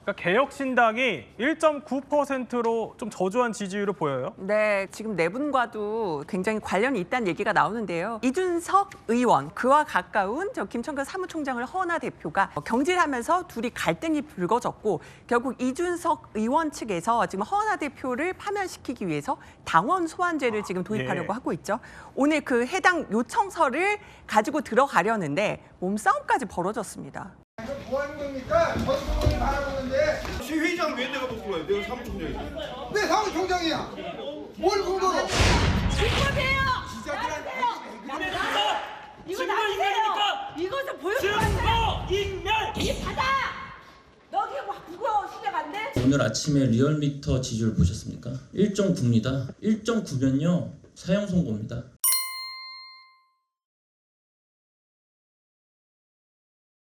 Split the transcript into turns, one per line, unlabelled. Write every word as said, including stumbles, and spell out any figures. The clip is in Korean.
그러니까 개혁신당이 일 점 구 퍼센트로 좀 저조한 지지율을 보여요.
네, 지금 네 분과도 굉장히 관련이 있다는 얘기가 나오는데요. 이준석 의원, 그와 가까운 저 김천근 사무총장을 허은하 대표가 경질하면서 둘이 갈등이 불거졌고 결국 이준석 의원 측에서 지금 허은하 대표를 파면시키기 위해서 당원 소환제를 지금 도입하려고
예.
하고 있죠. 오늘 그 해당 요청서를 가지고 들어가려는데 몸싸움까지 벌어졌습니다.
뭐 하는 겁니까? 전국민이 바라보는데
시회장 왜 내가 못 들어가요? 내가 사무총장이지.
왜 사무총장이야? 뭘 근거로?
증거세요.
기자들한테
이거 나세요. 이것을 보여주면
증거 인멸.
이 받아. 너기 뭐 그거 실력 안 돼?
오늘 아침에 리얼미터 지지율 보셨습니까? 일 점 구입니다. 일 점 구면요 사형 선고입니다.